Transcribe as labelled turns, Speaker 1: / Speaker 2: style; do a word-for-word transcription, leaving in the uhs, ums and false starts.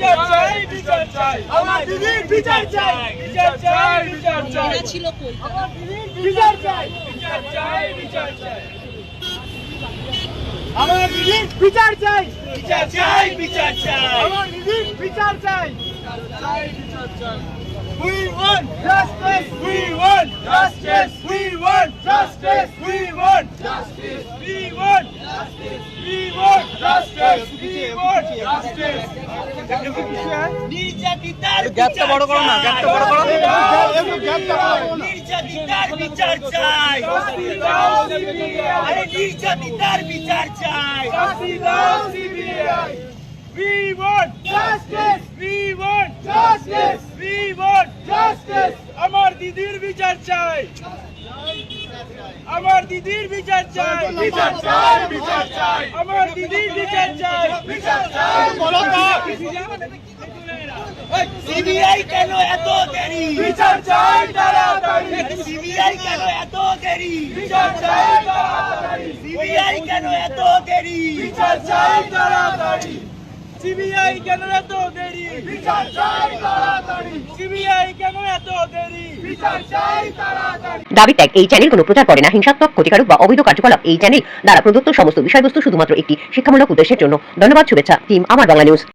Speaker 1: বিচার চাই বিচার চাই আমার দিদির বিচার চাই বিচার চাই বিচার চাই
Speaker 2: ছিল কই
Speaker 1: আমার দিদির বিচার চাই বিচার চাই বিচার চাই আমার দিদির বিচার চাই বিচার চাই বিচার চাই আমার দিদির বিচার চাই চাই বিচার চাই We want justice. We want justice. We want justice. We want justice. We want justice. We want justice. We want justice. নির্যাতিতার
Speaker 3: গ্যাপটা বড় করো না, গ্যাপটা বড় করো।
Speaker 1: নির্যাতিতার বিচার চাই। আরে নির্যাতিতার বিচার চাই। We want justice. We want justice. We want justice. আমার দিদির বিচার চাই আমার দিদির বিচার চাই বিচার চাই বিচার চাই আমার দিদির বিচার চাই বিচার চাই সিবিআই কেন এত দেরি বিচার চাই তাড়াতাড়ি সিবিআই কেন এত দেরি বিচার চাই তাড়াতাড়ি সিবিআই কেন এত দেরি বিচার চাই তাড়াতাড়ি সিবিআই কেন এত দেরি বিচার চাই তাড়াতাড়ি সিবিআই কেন এত দেরি বিচার চাই তাড়াতাড়ি
Speaker 4: দাবি ত্যাগ এই চ্যানেল কোনো প্রচার করে না হিংসাত্মক ক্ষতিকারক বা অবৈধ কার্যকলাপ এই চ্যানেল দ্বারা প্রদত্ত সমস্ত বিষয়বস্তু শুধুমাত্র একটি শিক্ষামূলক উদ্দেশ্যের জন্য ধন্যবাদ শুভেচ্ছা টিম আমার বাংলা নিউজ।